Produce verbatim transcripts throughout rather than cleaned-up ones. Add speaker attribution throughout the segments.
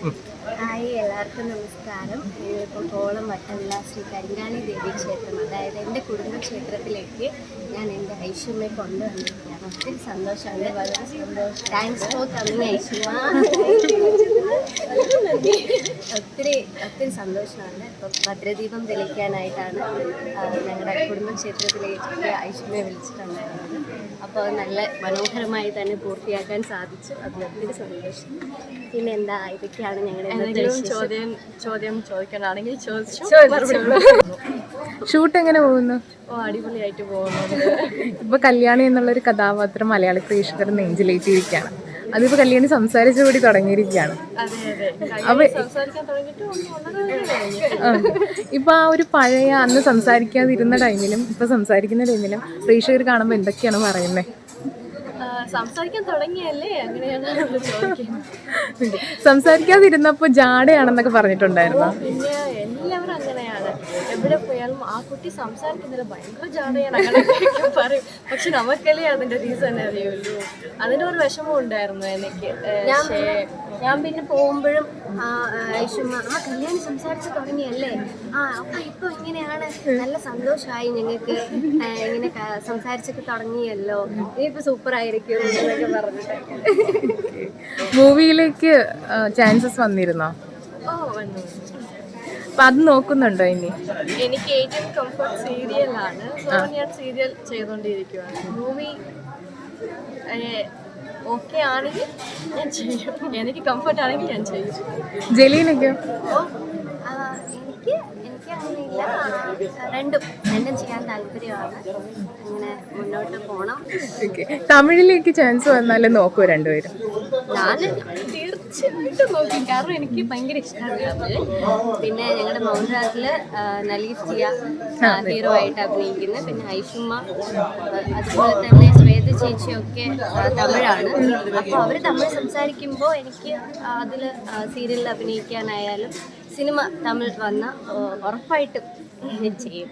Speaker 1: Hi, എല്ലാവർക്കും നമസ്കാരം. ഞങ്ങളിപ്പോൾ കോളം വട്ടവിള ശ്രീ കരിങ്കാളി ദേവി ക്ഷേത്രം, അതായത് എൻ്റെ കുടുംബക്ഷേത്രത്തിലേക്ക് ഞാൻ എൻ്റെ ഐശ്വര്യയെ കൊണ്ടുവന്നിരിക്കുകയാണ്. ഒത്തിരി സന്തോഷമാണ്. വളരെ സന്തോഷം. Thanks for coming Aishwarya. ഒത്തിരി ഒത്തിരി സന്തോഷമാണ്. ഇപ്പം ഭദ്രദീപം തെളിയിക്കാനായിട്ടാണ് ഞങ്ങളുടെ കുടുംബക്ഷേത്രത്തിലേക്ക് ഐശ്വര്യയെ വിളിച്ചിട്ടുണ്ടായിരുന്നത്. അപ്പോൾ നല്ല മനോഹരമായി തന്നെ പൂർത്തിയാക്കാൻ സാധിച്ചു. അതിൽ ഒത്തിരി സന്തോഷം. പിന്നെ എന്താ, ഇതൊക്കെയാണ് ഞങ്ങളുടെ ചോദ്യം ചോദ്യം ചോദിക്കാനാണെങ്കിൽ ചോദിച്ചു.
Speaker 2: ഷൂട്ട് എങ്ങനെ പോകുന്നു?
Speaker 1: ഓ, അടിപൊളിയായിട്ട് പോകുന്നുണ്ട്.
Speaker 2: ഇപ്പൊ കല്യാണി എന്നുള്ളൊരു കഥാപാത്രം മലയാളി പ്രേക്ഷകർ നെഞ്ചിലേറ്റിരിക്കുകയാണ്. അതിപ്പോ കല്യാണി സംസാരിച്ചുകൂടി തുടങ്ങിയിരിക്കുകയാണ്. അപ്പൊ ഇപ്പൊ ആ ഒരു പഴയ അന്ന് സംസാരിക്കാതിരുന്ന ടൈമിലും ഇപ്പൊ സംസാരിക്കുന്ന ടൈമിലും പ്രേക്ഷകർ കാണുമ്പോൾ എന്തൊക്കെയാണ് പറയുന്നത്?
Speaker 1: സംസാരിക്കാൻ തുടങ്ങിയല്ലേ, അങ്ങനെയാണ് ചോദിക്കുന്നത്.
Speaker 2: സംസാരിക്കാതിരുന്നപ്പോ ജാടയാണെന്നൊക്കെ പറഞ്ഞിട്ടുണ്ടായിരുന്നു.
Speaker 1: പിന്നെ എല്ലാവരും അങ്ങനെയാണ്. എവിടെ പോയാലും ആ കുട്ടി സംസാരിക്കുന്നത് ഭയങ്കര ജാടയാണ്, അങ്ങനെയൊക്കെ പറയും. പക്ഷെ നമുക്കല്ലേ അതിന്റെ റീസൺ അറിയുള്ളൂ. അതിന്റെ ഒരു വിഷമം ഉണ്ടായിരുന്നു എനിക്ക്. ഞാൻ പിന്നെ പോകുമ്പോഴും ഐഷുമ്മ ആ കല്യാണി സംസാരിച്ച് തുടങ്ങിയല്ലേ, ആ അപ്പൊ ഇപ്പൊ ഇങ്ങനെയാണ്, നല്ല സന്തോഷമായി ഞങ്ങൾക്ക്, ഇങ്ങനെ സംസാരിച്ചൊക്കെ തുടങ്ങിയല്ലോ, ഇനിയിപ്പോ സൂപ്പർ ആയിരിക്കും എന്നൊക്കെ പറഞ്ഞിട്ടൊക്കെ.
Speaker 2: മൂവിയിലേക്ക് ചാൻസസ് വന്നിരുന്നോ?
Speaker 1: ഓ, വന്നു.
Speaker 2: അപ്പൊ അത് നോക്കുന്നുണ്ടോ ഇനി?
Speaker 1: എനിക്ക് ഏറ്റവും കംഫർട്ട് സീരിയലാണ്. സോ ഞാൻ സീരിയൽ ചെയ്തോണ്ടിരിക്കുകയാണ്. മൂവി ഓക്കെ ആണെങ്കിൽ ഞാൻ ചെയ്യും. എനിക്ക് കംഫർട്ട് ആണെങ്കിൽ ഞാൻ ചെയ്യും.
Speaker 2: ജലീനൊക്കെയോ?
Speaker 1: എനിക്ക് എനിക്ക് അങ്ങനെയില്ല. രണ്ടും രണ്ടും ചെയ്യാൻ താല്പര്യമാണ്. അങ്ങനെ മുന്നോട്ട് പോകണം.
Speaker 2: തമിഴിലേക്ക് ചാൻസ് വന്നാലും നോക്കൂ രണ്ടുപേരും?
Speaker 1: ഞാൻ തീർച്ചയായിട്ടും നോക്കി, കാരണം എനിക്ക് ഭയങ്കര ഇഷ്ടമാണ് തമിഴ്. പിന്നെ ഞങ്ങളുടെ മൗനരാജില് നലീഫ് ജിയ ഹീറോ ആയിട്ട് അഭിനയിക്കുന്നത്. പിന്നെ ഐഷുമ്മ, അതുപോലെ തന്നെ ശ്വേത ചേച്ചിയൊക്കെ തമിഴാണ്. അപ്പോൾ അവർ തമിഴ് സംസാരിക്കുമ്പോൾ എനിക്ക് അതിൽ സീരിയലിൽ അഭിനയിക്കാനായാലും സിനിമ തമിഴ് വന്ന ഉറപ്പായിട്ടും ചെയ്യും.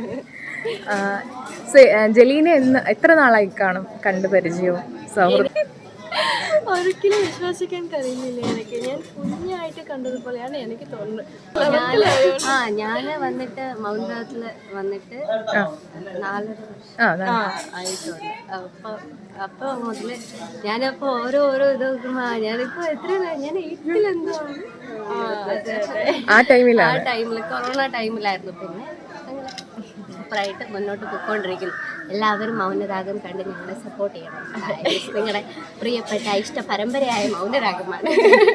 Speaker 2: ജലീനെ എന്ന് എത്ര നാളായി കാണും കണ്ടു പരിചയവും സൗഹൃദം?
Speaker 1: ഒരിക്കലും വിശ്വസിക്കാൻ കഴിയുന്നില്ല എനിക്ക്. ഞാൻ കുഞ്ഞായിട്ട് കണ്ടതുപോലെയാണ് എനിക്ക് തോന്നുന്നത്. ആ ഞാൻ വന്നിട്ട് മൗനരാജില് വന്നിട്ട് നാലര വർഷം ആയിട്ടുണ്ട്. അപ്പൊ അപ്പൊ മുതല് ഞാനപ്പോ ഓരോ ഓരോ ഇത് നോക്കുമ്പോ ഞാനിപ്പോ എത്ര ഞാൻ എയ്റ്റിലെന്തോ
Speaker 2: ആ ടൈമിൽ
Speaker 1: ആ ടൈമില് കൊറോണ ടൈമിലായിരുന്നു. പിന്നെ സൂപ്പറായിട്ട് മുന്നോട്ട് പോയിക്കൊണ്ടിരിക്കുന്നു. എല്ലാവരും മൗനരാഗം കണ്ട് ഞങ്ങളെ സപ്പോർട്ട് ചെയ്യണം. നിങ്ങളുടെ പ്രിയപ്പെട്ട ഇഷ്ട പരമ്പരയായ മൗനരാഗമാണ്.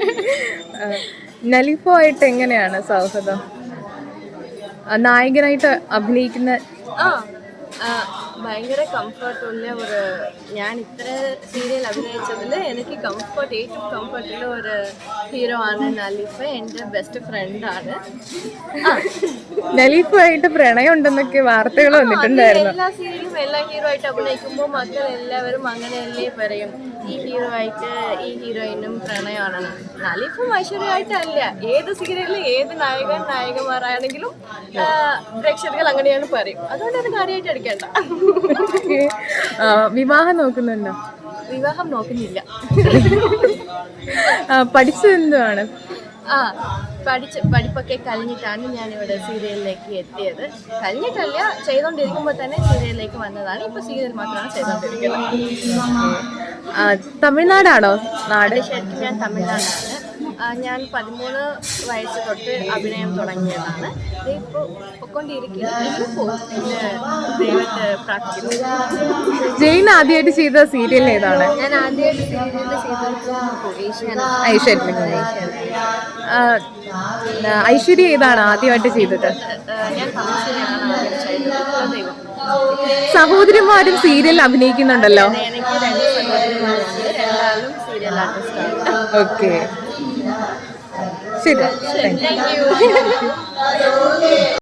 Speaker 2: നലീഫോ ആയിട്ട് എങ്ങനെയാണ് സൗഹൃദം? നായകനായിട്ട് അഭിനയിക്കുന്ന
Speaker 1: ഭയങ്കര കംഫർട്ടുള്ള ഒരു, ഞാൻ ഇത്ര സീരിയൽ അഭിനയിച്ചതിൽ എനിക്ക് കംഫർട്ട് ഏറ്റവും കംഫർട്ടുള്ള ഒരു ഹീറോ ആണ് നലീഫ്. എൻ്റെ ബെസ്റ്റ് ഫ്രണ്ടാണ്.
Speaker 2: നലീഫുമായിട്ട് പ്രണയം ഉണ്ടെന്നൊക്കെ വാർത്തകൾ വന്നിട്ടുണ്ടായിരുന്നു.
Speaker 1: എല്ലാ സീരിയലും എല്ലാ ഹീറോ ആയിട്ട് അഭിനയിക്കുമ്പോൾ മക്കൾ എല്ലാവരും അങ്ങനെയല്ലേ പറയും, ഈ ഹീറോ ആയിട്ട് ഈ ഹീറോയിനും പ്രണയമാണ്. നലീഫും ഐശ്വര്യമായിട്ടല്ല, ഏത് സീരിയലിൽ ഏത് നായകൻ നായകന്മാരാണെങ്കിലും പ്രേക്ഷകർ അങ്ങനെയാണ് പറയും. അതുകൊണ്ട് അത് കാര്യമായിട്ട് എടുക്കേണ്ട.
Speaker 2: വിവാഹം നോക്കുന്നുണ്ടോ?
Speaker 1: വിവാഹം നോക്കുന്നില്ല.
Speaker 2: പഠിച്ചത് എന്തുവാണ്?
Speaker 1: ആ പഠിച്ച് പഠിപ്പൊക്കെ കഴിഞ്ഞിട്ടാണ് ഞാനിവിടെ സീരിയലിലേക്ക് എത്തിയത്. കഴിഞ്ഞിട്ടല്ല, ചെയ്തുകൊണ്ടിരിക്കുമ്പോൾ തന്നെ സീരിയലിലേക്ക് വന്നതാണ്. ഇപ്പോൾ സീരിയൽ മാത്രമാണ് ചെയ്തുകൊണ്ടിരിക്കുന്നത്.
Speaker 2: തമിഴ്നാടാണോ നാട്?
Speaker 1: ശരിക്കും ഞാൻ തമിഴ്നാടാണ്. ഞാൻ പതിമൂന്ന് വയസ്സ് തൊട്ട് അഭിനയം തുടങ്ങിയതാണ്. ഇപ്പോൾ പൊക്കൊണ്ടിരിക്കുന്നത്.
Speaker 2: ജെയിൻ ആദ്യമായിട്ട് ചെയ്ത സീരിയൽ ഏതാണ്?
Speaker 1: ഞാൻ ആദ്യമായിട്ട് സീരിയൽ ചെയ്തത്
Speaker 2: ഐശ്വര്യ ഏതാണ് ആദ്യമായിട്ട് ചെയ്തത്? സഹോദരിമാരും സീരിയൽ അഭിനയിക്കുന്നുണ്ടല്ലോ. ഓക്കെ, ശരി.